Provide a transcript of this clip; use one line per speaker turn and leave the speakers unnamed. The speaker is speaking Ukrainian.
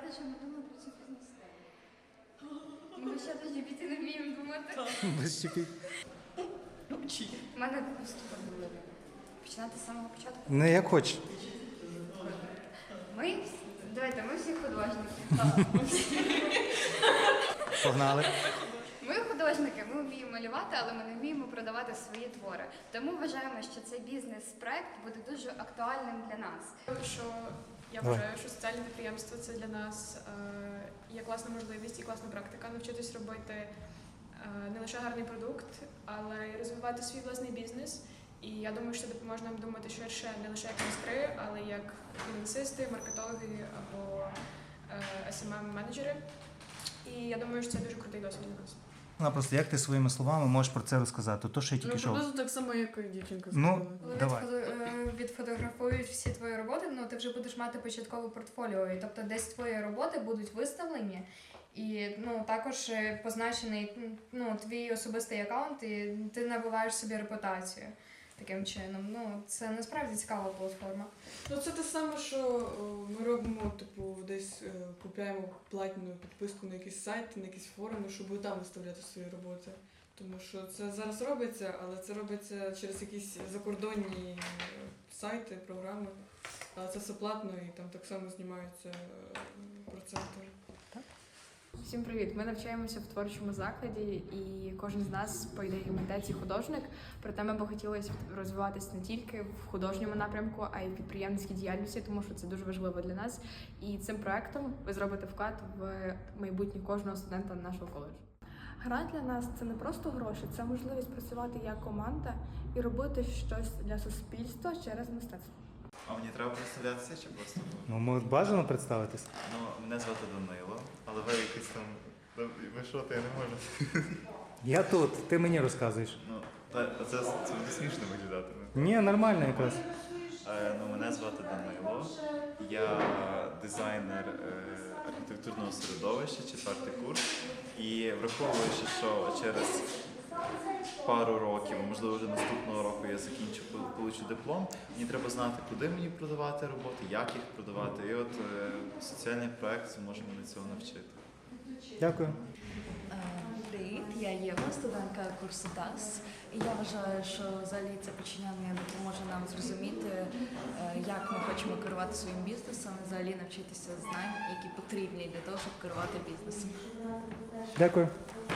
сказати, що ми думаємо про цю бізнес-тему. Ми ще до GPT не вміємо думати.
Без чіпіть.
У мене виступи були. Починати з самого початку.
Не як хочеш.
Давайте, ми всі художники.
Погнали.
Ми художники, ми вміємо малювати, але ми не вміємо продавати свої твори. Тому вважаємо, що цей бізнес-проект буде дуже актуальним для нас.
Що я вважаю, що соціальне підприємство це для нас є класна можливість і класна практика навчитись робити не лише гарний продукт, але й розвивати свій власний бізнес. І я думаю, що це допоможе нам думати ширше не лише як майстри, але як фінансисти, маркетологи або SMM-менеджери. І я думаю, що це дуже крутий досвід для нас.
Просто як ти своїми словами можеш про це розказати? То, що я тільки що...
Приблизно так само, як і дівчинка сказала.
Давай.
Відфотографують всі твої роботи, ти вже будеш мати початкове портфоліо, і тобто десь твої роботи будуть виставлені, і також позначений твій особистий аккаунт, і ти набуваєш собі репутацію таким чином. Це насправді цікава платформа.
Це те саме, що ми робимо, десь купуємо платну підписку на якісь сайти, на якісь форуми, щоб там виставляти свої роботи. Тому що це зараз робиться, але це робиться через якісь закордонні сайти, програми. Але це все платно і там так само знімаються проценти.
Всім привіт! Ми навчаємося в творчому закладі, і кожен з нас, по ідеї, митець і художник. Проте ми б хотіли розвиватися не тільки в художньому напрямку, а й в підприємницькій діяльності, тому що це дуже важливо для нас. І цим проектом ви зробите вклад в майбутнє кожного студента нашого коледжу.
Грант для нас це не просто гроші, це можливість працювати як команда і робити щось для суспільства через мистецтво.
А мені треба представлятися чи просто?
Бажано представитись.
Мене звати Данило, але ви якийсь там... Ви що, я не можу?
Я тут, ти мені розказуєш.
Це буде смішно виглядати.
Ні, нормально якраз.
Мене звати Данило, я дизайнер архітектурного середовища, 4-й курс. І враховуючи, що через пару років, можливо вже наступного року я закінчу, получу диплом, мені треба знати, куди мені продавати роботи, як їх продавати. І от соціальний проект зможе мене цього навчити.
Дякую.
Привіт, я Єва, студентка курсу ТАСС. І я вважаю, що взагалі це починання допоможе нам зрозуміти, як ми хочемо керувати своїм бізнесом, і взагалі навчитися знань, які потрібні для того, щоб керувати бізнесом.
Дякую.